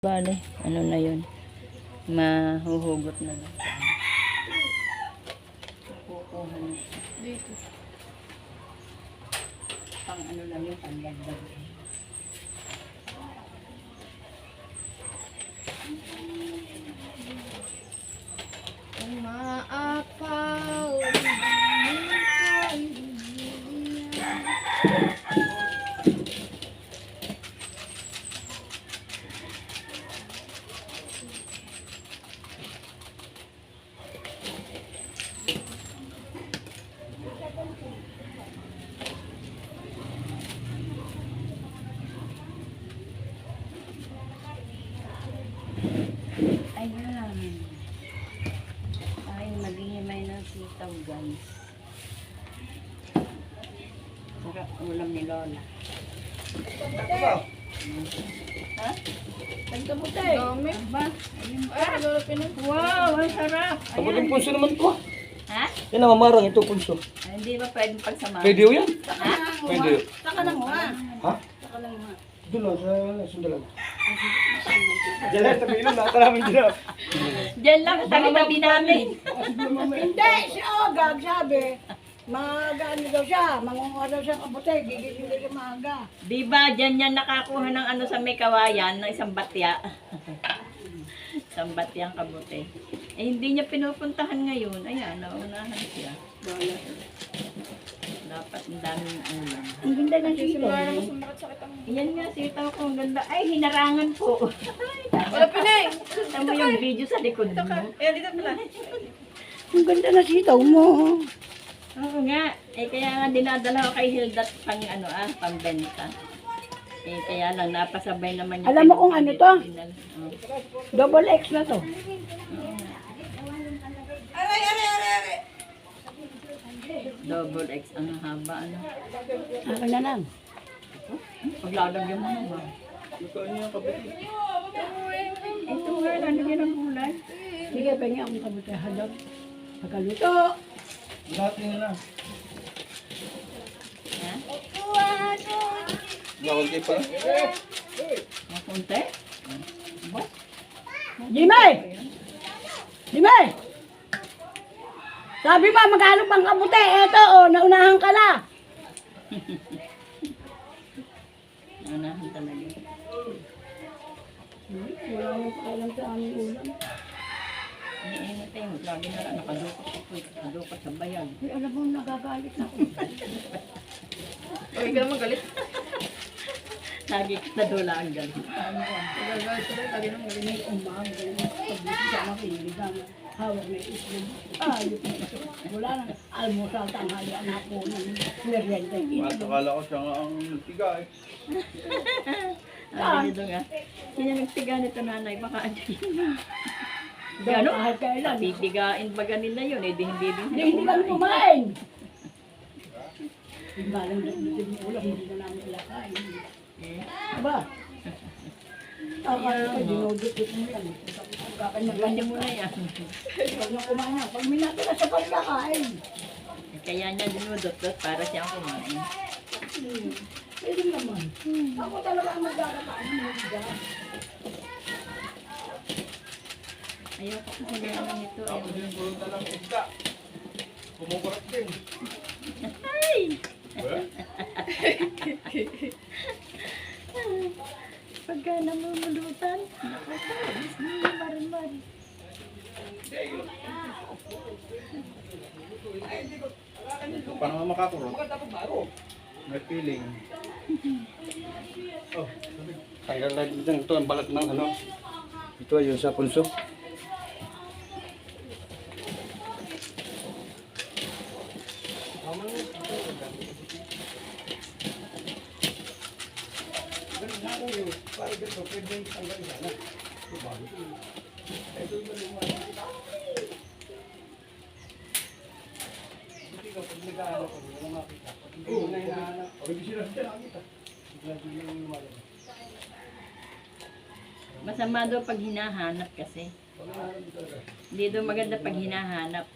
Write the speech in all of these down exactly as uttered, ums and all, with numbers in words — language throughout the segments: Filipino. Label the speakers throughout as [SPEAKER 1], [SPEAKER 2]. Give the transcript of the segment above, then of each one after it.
[SPEAKER 1] Bale, ano na yun? Mahuhugot na lang. Kukuha na. Dito. Pang ano lang yung panlagdag.
[SPEAKER 2] Umaapaw.
[SPEAKER 1] Ayan. Ay, maghihimay ng sitaw, guys. Sarap ulam ni Lola. Ha? Nagkabuti.
[SPEAKER 2] Dami.
[SPEAKER 1] Ba?
[SPEAKER 2] Ay, nagulapin na.
[SPEAKER 1] Wow, ang sarap.
[SPEAKER 3] Ako din punso naman ko.
[SPEAKER 1] Ha?
[SPEAKER 3] Yan ang mamarang ito punso.
[SPEAKER 1] Ay, hindi ba pwedeng pagsamahan?
[SPEAKER 3] Pwede yun yan?
[SPEAKER 1] Ha?
[SPEAKER 3] Pwede yun.
[SPEAKER 2] Saka lang mo ha.
[SPEAKER 3] Ha?
[SPEAKER 2] Saka lang mo.
[SPEAKER 3] Doon lang sa sundalan. Diyan lang sa bilong, nata namin dyan.
[SPEAKER 1] Diyan lang, tabi-tabi namin.
[SPEAKER 2] Hindi, siya oh, gag sabi. Mag-ano daw siya, mangunguha daw siya kabuti, gigising daw siya maaga.
[SPEAKER 1] Di ba, dyan yan nakakuha ng ano sa may kawayan, ng isang batya. Isang batyang kabuti. Eh, hindi niya pinupuntahan ngayon. Ayan, naunahan siya. Dapat ang daming ulam.
[SPEAKER 2] Ang ganda ng sito.
[SPEAKER 1] Yan nga, sitaw ko, ang ganda. Ay, hinarangan po.
[SPEAKER 2] Wala pinay!
[SPEAKER 1] Tignan mo yung video sa likod mo.
[SPEAKER 2] Ayan, dito pala. Ang ganda ng sitaw mo.
[SPEAKER 1] Oo nga. Eh, kaya nga dinadala ko kay Hilda pang ano ah, pambenta. Eh, kaya lang, napasabay naman niya.
[SPEAKER 2] Alam mo kung ano to?
[SPEAKER 1] Oh.
[SPEAKER 2] Double X na to.
[SPEAKER 1] Double X ang haba, ano.
[SPEAKER 2] Akin na lang.
[SPEAKER 1] Paglalagyan mo naman.
[SPEAKER 3] Magkaan niya kabuti.
[SPEAKER 1] Ito nga, lalagyan ng gulay.
[SPEAKER 2] Sige, pengi akong kabuti. Hadap. Pagkaluto.
[SPEAKER 3] Lahat nila na.
[SPEAKER 1] Ha?
[SPEAKER 3] Bawal kayo pala.
[SPEAKER 1] Ang konti? Ba?
[SPEAKER 2] Jimay! Jimay! Sabi mo, magkano pang kabuti? Eto, oh, naunahan ka na.
[SPEAKER 1] Anahan talaga.
[SPEAKER 2] Wala mo pa alam sa aming ulam.
[SPEAKER 1] Iniinit tayo. Lagi na lang nakadukot ako. Nakadukot sa bayan.
[SPEAKER 2] Ay, alam mo, nagagalit na ako.
[SPEAKER 1] Huwag ka naman galit. Lagi ka nadula ang galit.
[SPEAKER 2] Nagagalit ka rin, lagi nang galit na umaga. Pag-ibig ka makinig ang hawak na islog. Ayok na ito. Wala nang almusal, tanghali, anak ko, ng merienda.
[SPEAKER 3] Akala ko siya nga ang nagtigay.
[SPEAKER 1] Sabi nito nga. Sino nagtiga nito nanay? Baka ano yun.
[SPEAKER 2] Gano? Kahit kailan.
[SPEAKER 1] Pipigain baga nila yun. Eh, di hindi din
[SPEAKER 2] Hindi, hindi kami kumain. Balang dito yung ulam, hindi na namin ilakain. Aba? Akala ko, dinudukot mo yan.
[SPEAKER 1] Ganyan mo na yan.
[SPEAKER 2] Pag na kumain na, pag minato na sa pagkakain.
[SPEAKER 1] Kaya niya dinudot-dot para siyang kumain.
[SPEAKER 2] Hmm. Pwede naman. Ako talaga ang magkakataan ng mga.
[SPEAKER 1] Ayaw ko kasi gano'n ito. Ayaw ko.
[SPEAKER 3] Yung gulong na lang isda. Kumukurat din.
[SPEAKER 1] Ay! Pagka namumulutan, nakakabis niya marin-marin.
[SPEAKER 3] Paano nga makakurot? May feeling. Oh, tanggal na dito ito ang balat ng ano. Ito ayun sa punso.
[SPEAKER 1] Masama daw pag hinahanap kasi. Hindi daw maganda pag hinahanap.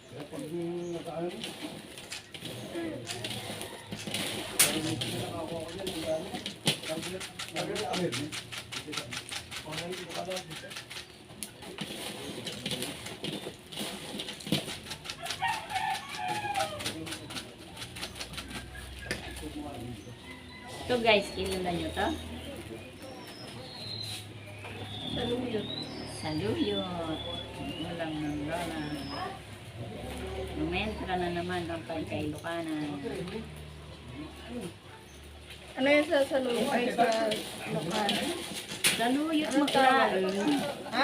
[SPEAKER 1] Ito guys, kilala nyo to?
[SPEAKER 2] Saluyot.
[SPEAKER 1] Saluyot. Walang ng lola. Lumentra na naman ang kay Lucanan.
[SPEAKER 2] Ano yun sa saluyot? Ay, sa lokal.
[SPEAKER 1] Saluyot maklaan.
[SPEAKER 2] Ha?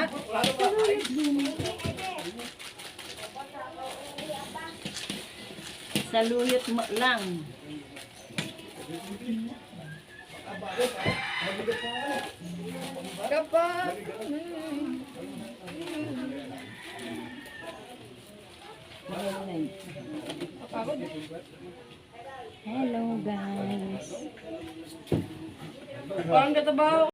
[SPEAKER 1] Saluyot mo lang.
[SPEAKER 2] Kapag... Kapagod.
[SPEAKER 1] Hello guys.
[SPEAKER 2] Parang katabaho